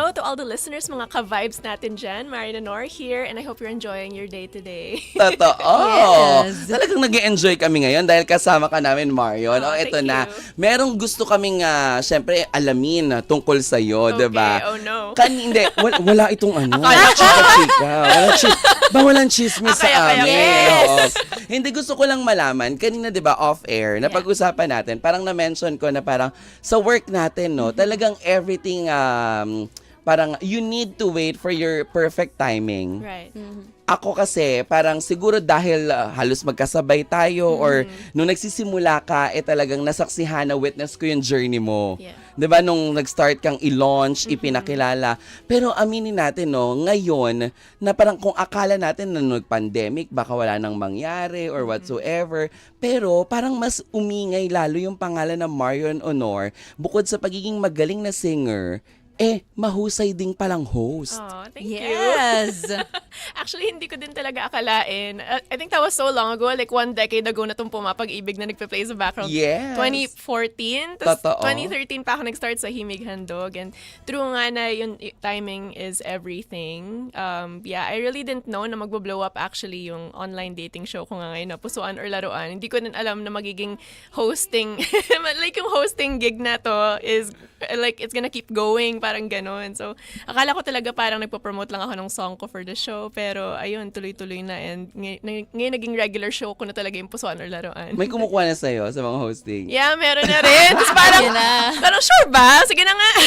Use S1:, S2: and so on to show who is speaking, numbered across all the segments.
S1: hello to all the listeners, mga ka-vibes natin dyan. Marian Nor here, and I hope you're enjoying your day today.
S2: Totoo.
S3: Yes.
S2: Talagang nag-enjoy kami ngayon dahil kasama ka namin, Marion.
S1: Oh,
S2: Ito
S1: thank
S2: na.
S1: you.
S2: Merong gusto kaming, syempre, alamin tungkol sa'yo,
S1: Okay,
S2: diba?
S1: oh no.
S2: Hindi, wala itong ano.
S1: Akala ko.
S2: Chika. Walang chismis
S1: Okay,
S2: sa
S1: okay,
S2: amin.
S1: yes.
S2: Oo. Hindi, gusto ko lang malaman. Kanina, di ba, off-air, napag-usapan natin, parang na-mention ko na parang sa work natin, no, talagang everything, parang you need to wait for your perfect timing.
S1: Right.
S2: Ako kasi, parang siguro dahil halos magkasabay tayo or nung nagsisimula ka, talagang nasaksihan na witness ko yung journey mo.
S1: Yeah.
S2: 'Di ba nung nag-start kang i-launch, ipinakilala. Pero aminin natin, no, ngayon, na parang kung akala natin na nag-pandemic, baka wala nang mangyari or whatsoever. Pero parang mas umingay lalo yung pangalan ng Marion Honor. Bukod sa pagiging magaling na singer, mahusay ding palang host.
S1: Oh, thank you.
S3: Yes.
S1: Actually, hindi ko din talaga akalain. I think that was so long ago, like 1 decade ago na itong Pumapag-ibig na nagpe-play sa background.
S2: Yes.
S1: 2014. Tapos
S2: Totoo.
S1: 2013 pa ako nag-start sa Himig Handog. And true nga na yung timing is everything. I really didn't know na magbo-blow up actually yung online dating show ko nga ngayon na Pusuan or Laruan. Hindi ko din alam na magiging hosting, like yung hosting gig na to is like it's gonna keep going, parang ganun. So, akala ko talaga parang nagpo-promote lang ako ng song ko for the show. Pero, ayun, tuloy-tuloy na. And ngayon naging regular show ko na talaga yung Pusuan or Laruan.
S2: May kumukuha na sa'yo sa mga hosting.
S1: Yeah, meron na rin. Tapos parang,
S3: Yun na.
S1: parang sure ba? Sige na nga.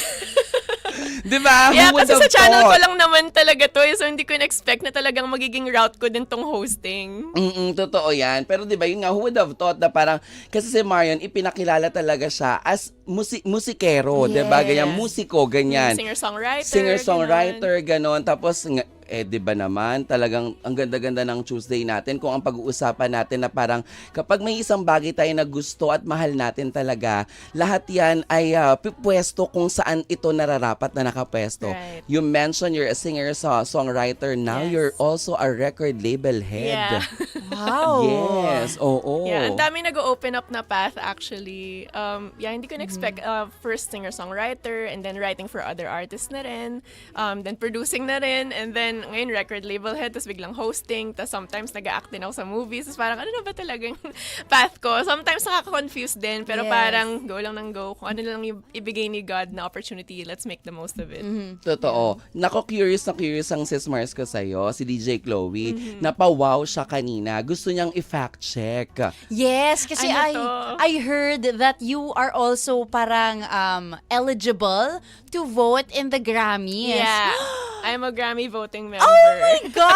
S2: Di ba?
S1: Yeah,
S2: Who would
S1: kasi sa
S2: have
S1: channel ko
S2: thought?
S1: lang naman talaga to. So, hindi ko in-expect na talagang magiging route ko din tong hosting.
S2: Totoo yan. Pero di ba yun nga, who would have thought na parang, kasi si Marion, ipinakilala talaga siya as musikero, di ba?
S3: Yes.
S2: Ganyan, musiko, ganyan.
S1: Singer-songwriter.
S2: Singer-songwriter, ganon. Tapos, di ba naman, talagang ang ganda-ganda ng Tuesday natin kung ang pag-uusapan natin na parang kapag may isang bagay tayo na gusto at mahal natin talaga, lahat yan ay pipwesto kung saan ito nararapat na nakapwesto.
S1: Right.
S2: You mentioned you're a singer-songwriter. Now
S1: Yes.
S2: you're also a record label head.
S1: Yeah.
S3: Wow.
S2: Yes, oo.
S1: Yeah, ang dami nag-open up na path actually. Hindi ko na-expect first singer-songwriter and then writing for other artists na rin. Then producing na rin and then ngayon record label head, tapos biglang hosting, tapos sometimes nag-act din ako sa movies. Tapos parang ano na ba talagang path ko? Sometimes nakaka-confuse din, pero
S3: Yes.
S1: parang go lang ng go. Kung ano lang yung ibigay ni God na opportunity, let's make the most of it.
S2: Totoo. Nako, curious na curious ang sis Mars ko sa'yo, si DJ Chloe. Napawaw siya kanina. Gusto niyang i-fact check.
S3: Yes, kasi
S1: Ano to?
S3: I heard that you are also parang eligible to vote in the Grammys.
S1: Yeah. I'm a Grammy voting member.
S3: Oh my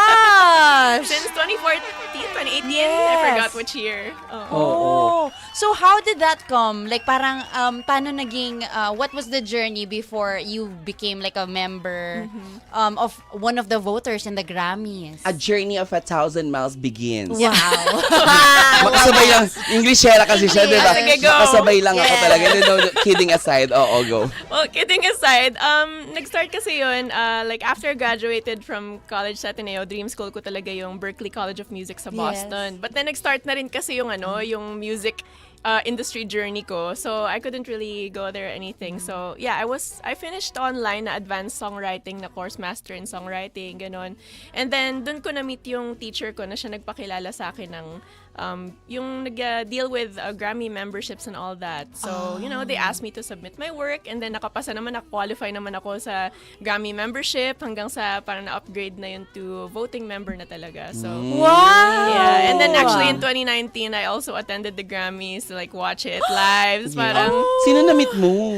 S3: gosh!
S1: Since 2014, 2018, I
S3: Yes.
S1: forgot which year. Oo.
S3: Oh, so how did that come? Like parang paano naging what was the journey before you became like a member of one of the voters in the Grammys?
S2: A journey of 1,000 miles begins.
S3: Wow.
S2: Makasabay lang. Englishera kasi siya, di ba?
S1: Sige, go.
S2: Makasabay lang ako
S3: Yes.
S2: talaga. No, kidding aside. Oo, go.
S1: Well, kidding aside, nag-start kasi yun, like after I graduated from college sa Ateneo, dream school ko talaga yung Berklee College of Music sa Boston.
S3: Yes.
S1: But then nag-start na rin kasi yung yung music industry journey ko. So I couldn't really go there or anything. So yeah, I finished online na advanced songwriting na course master in songwriting, ganon. And then dun ko na-meet yung teacher ko na siya nagpakilala sa akin ng yung nag-deal with Grammy memberships and all that. So, they asked me to submit my work and then nakapasa naman, qualify naman ako sa Grammy membership hanggang sa parang na-upgrade na yun to voting member na talaga. So,
S3: Wow!
S1: yeah. And then actually in 2019, I also attended the Grammys to like watch it live. Tapos parang,
S2: Sino na-meet mo?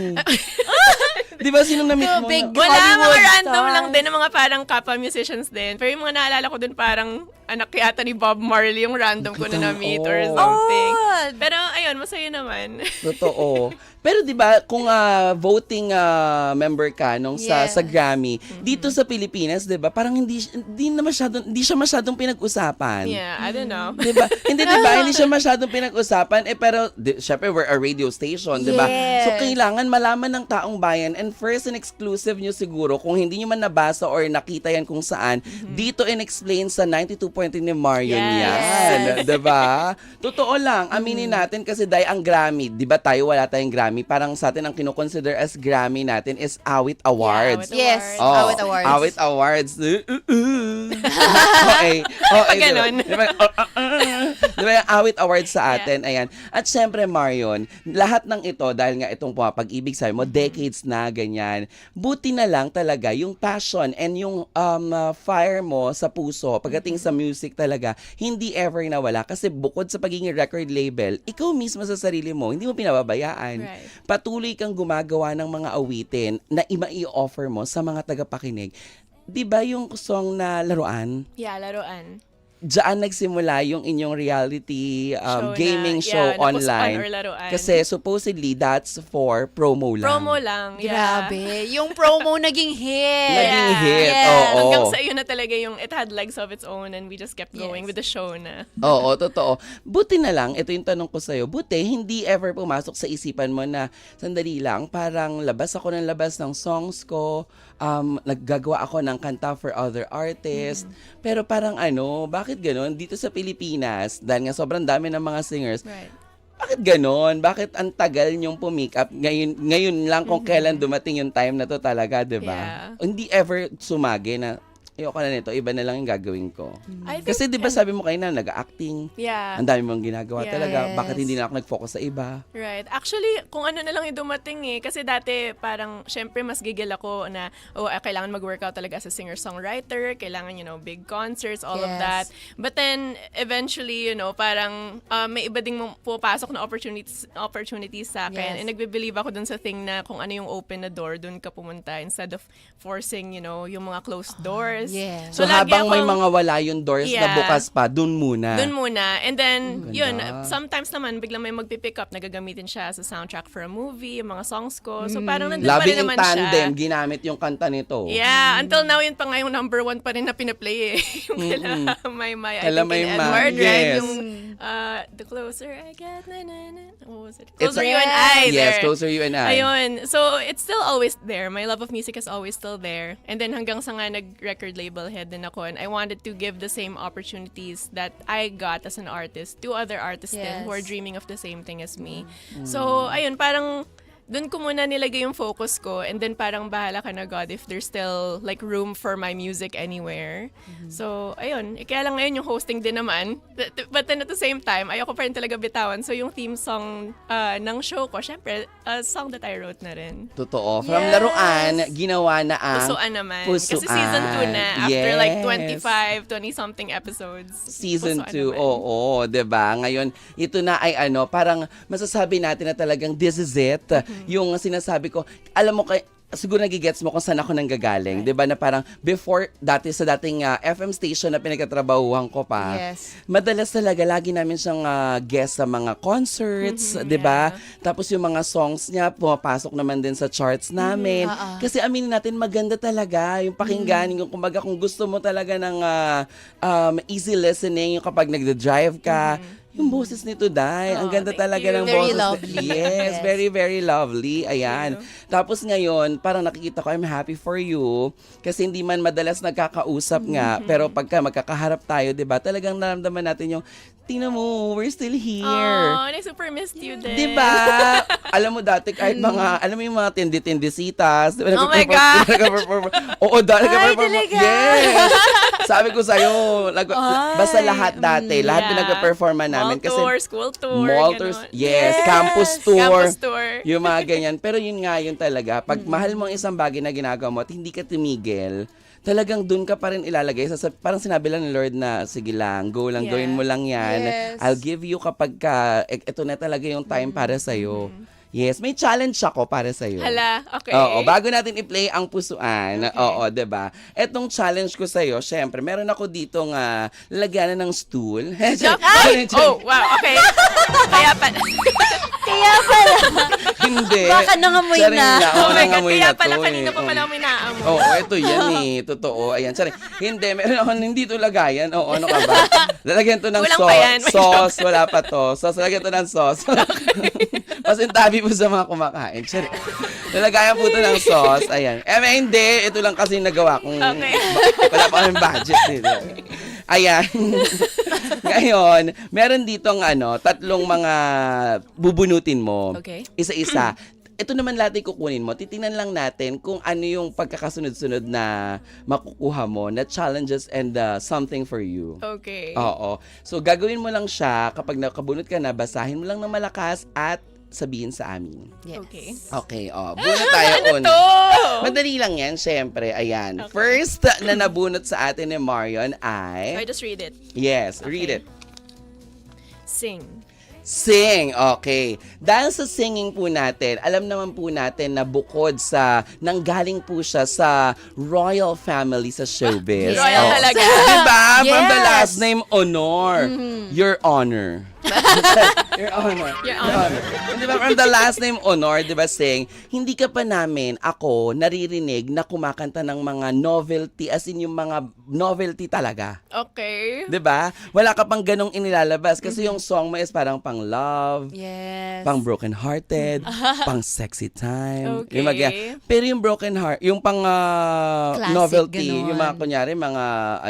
S2: Di ba, sino na-meet mo?
S3: Big
S1: wala,
S3: Hollywood
S1: mga random
S3: stars.
S1: lang din, ng mga parang kapwa musicians din. Pero yung mga naalala ko dun parang anak yata ni Bob Marley yung random ko na na-meet or
S2: Oh.
S1: something.
S3: Oh.
S1: Pero ayun, masaya naman.
S2: Totoo. Pero 'di ba kung voting member ka nung
S3: Yes.
S2: sa Grammy, dito sa Pilipinas, 'di ba? Parang hindi siya masyadong pinag-usapan.
S1: Yeah, I don't know.
S2: 'Di ba? Hindi 'di ba? Hindi siya masyadong pinag-usapan pero syempre we're a radio station, 'di ba?
S3: Yes.
S2: So kailangan malaman ng taong bayan and first and exclusive nyo siguro kung hindi nyo man nabasa or nakita yan kung saan, dito in-explain sa 92.3 ni Marion
S1: Yes.
S2: yan. 'Di ba? Totoo lang, aminin natin kasi dahil ang Grammy, 'di ba tayo wala tayong Grammy Grammy. Parang sa atin ang kinoconsider as Grammy natin is Awit Awards.
S1: Awit
S3: Yes.
S1: Awards.
S2: Oh,
S3: Awit Awards.
S2: Awit Awards. Okay. Okay.
S1: Ganon.
S2: Di ba? Di ba yung Awit Awards sa atin? Ayan. At syempre, Marion, lahat ng ito, dahil nga itong pag-ibig, sabi mo, decades na, ganyan. Buti na lang talaga yung passion and yung fire mo sa puso, pagdating sa music talaga, hindi ever nawala. Kasi bukod sa pagiging record label, ikaw mismo sa sarili mo, hindi mo pinababayaan.
S1: Right.
S2: Patuloy kang gumagawa ng mga awitin na i-offer mo sa mga tagapakinig. Di ba yung song na Laruan?
S1: Yeah, laruan.
S2: Diyan nagsimula yung inyong reality gaming show
S1: na puspan
S2: online.
S1: or laruan.
S2: Kasi supposedly that's for promo lang.
S1: promo lang. Yeah.
S3: Grabe. Yung promo naging hit.
S2: Naging hit,
S3: Yes.
S2: oo.
S1: Hanggang sa iyo na talaga yung it had legs of its own and we just kept going
S3: Yes.
S1: with the show na.
S2: Oo, totoo. Buti na lang, ito yung tanong ko sa'yo, buti hindi ever pumasok sa isipan mo na sandali lang, parang labas ako ng labas ng songs ko, naggagawa ako ng kanta for other artists, pero parang bakit ganon? Dito sa Pilipinas, dahil nga sobrang dami ng mga singers,
S1: Right.
S2: bakit ganon? Bakit ang tagal niyong pumick up? Ngayon lang kung kailan dumating yung time na to talaga, di ba?
S1: Yeah.
S2: Hindi ever sumagi na, ayoko na nito, iba na lang yung gagawin ko.
S1: I think,
S2: Kasi di ba sabi mo kayo na nag-acting,
S1: yeah.
S2: ang dami mong ginagawa
S1: Yes.
S2: talaga. Bakit hindi na ako nag-focus sa iba?
S1: Right. Actually, kung ano na lang yung dumating Kasi dati, parang, syempre, mas gigil ako na, kailangan mag-workout talaga as a singer-songwriter. Kailangan, big concerts, all of
S3: Yes.
S1: that. But then, eventually, parang, may iba ding pupasok na opportunities sa akin.
S3: Yes.
S1: And nagbe-believe ako dun sa thing na kung ano yung open na door, dun ka pumunta instead of forcing, yung mga closed doors.
S3: Yes.
S2: So
S1: lagi
S2: habang may
S1: akong-
S2: mga wala yung doors na
S1: Yeah.
S2: bukas pa, dun muna.
S1: Doon muna. And then,
S2: Ganda.
S1: yun, sometimes naman, biglang may magpipick up, nagagamitin siya as a soundtrack for a movie, yung mga songs ko. So, parang nandun pa
S2: Loving
S1: rin
S2: in
S1: naman
S2: Tandem,
S1: siya.
S2: ginamit yung kanta nito.
S1: Yeah, until now, yun pa nga yung number 1 pa rin na pinaplay yung kala Maymay, I
S2: Kala
S1: think in
S2: Maymay,
S1: Edward, right?
S2: yes.
S1: Yung, the closer I get, what was it?
S2: It's
S1: Closer
S2: a-
S1: You and I.
S2: Yes,
S1: there.
S2: Closer You and I.
S1: Ayun. So, it's still always there. My love of music is always still there. And then hanggang sa nga nag-record label head din ako, and I wanted to give the same opportunities that I got as an artist to other artists din who are
S3: Yes.
S1: dreaming of the same thing as me. So, ayun, parang doon ko muna nilagay yung focus ko, and then parang bahala ka na, God, if there's still like room for my music anywhere. So, ayun. Kaya lang ngayon yung hosting din naman. But then at the same time, ayoko pa rin talaga bitawan. So, yung theme song ng show ko, syempre, a song that I wrote na rin.
S2: Totoo. From
S3: Yes.
S2: Laruan, ginawa na ang
S1: Pusuan naman.
S2: Pusuan.
S1: Kasi season 2 na. After like
S2: Yes.
S1: 20-something episodes.
S2: Season
S1: Pusuan
S2: 2,
S1: naman.
S2: oo, 'di ba? Ngayon, ito na ay parang masasabi natin na talagang this is it. Yung sinasabi ko, alam mo siguro nagigets mo kung saan ako nanggagaling, 'di ba? Na parang before sa dating FM station na pinagtatrabahuhan ko pa.
S3: Yes.
S2: Madalas talaga lagi namin siyang guest sa mga concerts, 'di ba? Tapos yung mga songs niya pumapasok naman din sa charts namin. Kasi aminin natin maganda talaga yung pakinggan, yung kumbaga kung gusto mo talaga ng easy listening, yung kapag nagda-drive ka, yung boses nito, Day. Ang ganda
S1: thank
S2: talaga
S1: you.
S2: ng
S3: Very
S2: boses.
S3: lovely.
S2: Yes,
S3: Yes.
S2: very, very lovely. Ayan. Tapos ngayon, parang nakikita ko, I'm happy for you. Kasi hindi man madalas nagkakausap nga. Pero pagka magkakaharap tayo, di ba, talagang naramdaman natin yung, tingnan mo, we're still here.
S1: Oh, and I super missed you din.
S2: Di ba? Alam mo dati kahit mga, alam mo yung mga tindi-tindisitas. Di ba,
S1: Oh my
S2: nagpe-perform-
S1: God!
S2: nagpe-perform. Oo, dati
S3: Ay,
S2: nagpe-perform.
S3: talaga?
S2: Yes! Sabi ko sa'yo, basta lahat dati, lahat
S1: Yeah.
S2: pinagpe-performan namin.
S1: Mall
S2: Kasi
S1: tour, school tour,
S2: mall tours,
S1: ganon.
S2: yes,
S3: Yes!
S2: campus tour.
S1: Campus tour.
S2: Yung mga ganyan. Pero yun nga yun talaga. Pag mahal mo ang isang bagay na ginagawa mo at hindi ka tumigil, talagang dun ka pa rin ilalagay. Parang sinabi lang ng Lord na, sige lang, go lang,
S1: Yeah.
S2: gawin mo lang yan.
S3: Yes.
S2: I'll give you kapag ito na talaga yung time para sa'yo. Yes, may challenge ako para sa'yo.
S1: Hala, okay.
S2: Oo, bago natin i-play ang pusuan, oo, 'di ba? Etong challenge ko sa iyo, syempre, meron ako ditong lalagyanan ng stool.
S1: Ay! Oh, wow, okay. Kaya pa.
S3: Kaya pala.
S2: Hindi.
S3: Baka nangamoy
S2: Charing
S3: na.
S2: Oo,
S1: Oh my God,
S2: nangamoy
S1: kaya
S2: na
S1: pala
S2: to,
S1: kanina pa
S2: Oo.
S1: pala may naamoy.
S2: Oo, ito yan Totoo. Ayan, sorry. Hindi, meron ako hindi to lagayan. Oo, ano ka ba? Lalagyan to ng
S1: Kulang pa yan. May
S2: sauce. Wala pa to. Sauce, lalagyan to ng sauce. Pasintabi po sa mga kumakain. Sorry. Lalagayan po to ng sauce. Ayan. Hindi. Ito lang kasi yung nagawa kong
S1: Okay.
S2: wala pa kaming budget. Ayan. Ngayon, meron ditong tatlong mga bubunutin mo.
S1: Okay.
S2: Isa-isa. Ito naman lahat ay kukunin mo. Titingnan lang natin kung ano yung pagkakasunod-sunod na makukuha mo na challenges and something for you.
S1: Okay.
S2: Oo. So, gagawin mo lang siya kapag nakabunot ka na, basahin mo lang ng malakas at sabihin sa amin.
S3: Yes.
S1: Okay.
S2: Okay, bunot tayo una.
S1: To!
S2: Madali lang yan, syempre. Ayan.
S1: Okay.
S2: First na nabunot sa atin ni Marion
S1: So I
S2: ay...
S1: just read it.
S2: Yes, read
S1: Okay.
S2: it.
S1: Sing.
S2: Sing, okay. Dahil sa singing po natin, alam naman po natin na bukod sa, nanggaling po siya sa royal family sa showbiz.
S1: Royal
S2: Oh.
S1: talaga.
S2: Diba? From the
S3: Yes.
S2: last name, Honor. Your Honor. Your Honor.
S1: Your Honor.
S2: Diba? From the last name, Honor, diba, Sing, hindi ka pa namin, ako, naririnig na kumakanta ng mga novelty, as in yung mga novelty talaga.
S1: Okay.
S2: 'Di ba? Wala ka pang ganong inilalabas kasi yung song mo is parang pang love,
S3: Yes.
S2: pang broken hearted, pang sexy time.
S1: Okay.
S2: Yung pero yung broken heart, yung pang
S3: Classic,
S2: novelty,
S3: ganon.
S2: yung mga kunyari mga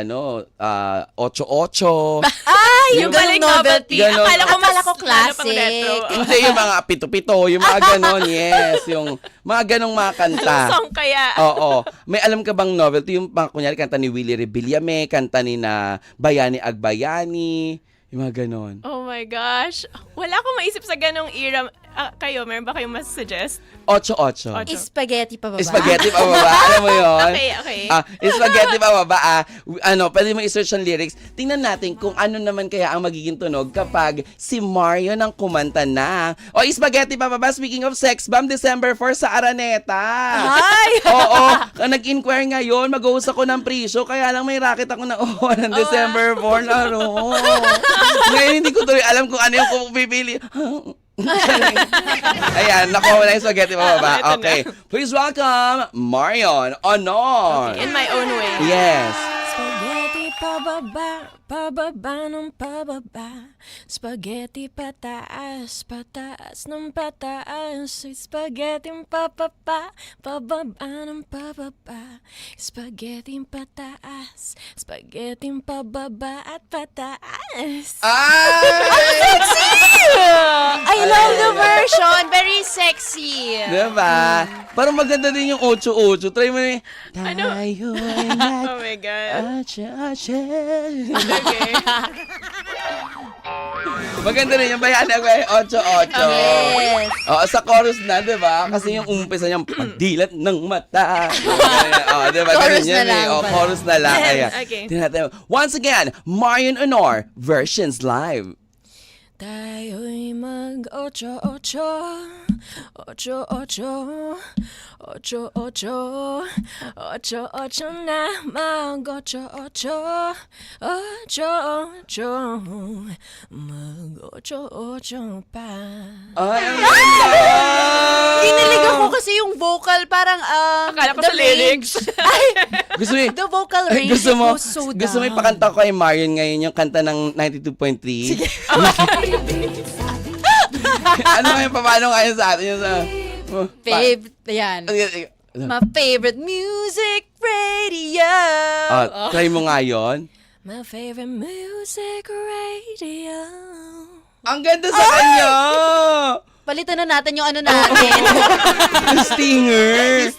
S2: 8-8.
S1: Yung galing
S2: Ganon.
S1: novelty. Akala ko
S3: Classic.
S1: pang retro.
S2: Hindi yung mga pito-pito, yung mga ganon, yes, yung mga ganong mga kanta.
S1: Song kaya.
S2: Oo. May alam ka bang novelty? Yung mga kunyari kanta ni Willie Rebillame, kanta ni na Bayani Agbayani, yung mga ganon.
S1: Oh my gosh. Wala akong maisip sa ganong era. Kayo, meron ba kayong mas suggest?
S2: 8-8.
S3: Spaghetti pa ba?
S2: Spaghetti pa baba? Alam mo yun?
S1: Okay.
S2: Spaghetti pa baba? Pwede mo i-search ang lyrics. Tingnan natin kung ano naman kaya ang magiging tunog kapag si Mario nang kumanta na. Spaghetti pa baba? Speaking of sex bomb, December 4 sa Araneta.
S3: Ay!
S2: Oo. Nag-inquire ngayon, mag-host ako ng pre-show, kaya lang may racket ako na ng December 4 laro. Ngayon hindi ko tuloy alam kung ano yung pipili. Ayan, nakuha mo na yung spaghetti pa baba.
S1: Ito na.
S2: Okay. Please welcome Marion Honor.
S1: In my own way.
S2: Yes.
S1: Spaghetti pababa, pababa ng pababa. Spaghetti pataas, pataas ng pataas. Spaghetti papapa, pababa ng pababa. Spaghetti pataas, spaghetti pababa at pataas.
S2: Ay!
S3: I love the version. Very sexy.
S2: Diba? Parang maganda din yung 8-8. Try mo na yung...
S1: Ano?
S2: Tayo ay nag...
S1: Oh my God.
S2: Acha-acha.
S1: Okay.
S2: Maganda rin yung bayani ako ay 8-8.
S3: Yes.
S2: Sa chorus na, di ba? Kasi yung umpisa niyang pagdilat ng mata. Di ba?
S3: Chorus
S2: Ganun yan
S3: na lang pala.
S2: chorus na lang. Ayan.
S1: Okay.
S2: Tingnan natin. Once again, Marion Honor, versions live.
S1: Tayo'y mag-8-8, 8-8, 8-8, 8-8 na mag-8-8, 8-8, mag-8-8 pa.
S2: Ay, ang ganda!
S3: Kinilig ako kasi yung vocal parang
S1: Akala ko
S3: the
S1: sa lyrics.
S2: Gusto mo
S3: The vocal
S2: Ay,
S3: range
S2: gusto mo,
S3: goes so
S2: gusto mo
S3: down.
S2: ipakanta ko kay Marion ngayon yung kanta ng 92.3? Sige. Ano ngayon, paano ngayon sa atin yung sa...
S3: Favorite, yan. My favorite music radio.
S2: Try mo nga yun.
S1: My favorite music radio.
S2: Ang ganda sa kanya!
S3: Palitan na natin yung ano natin.
S2: Stinger!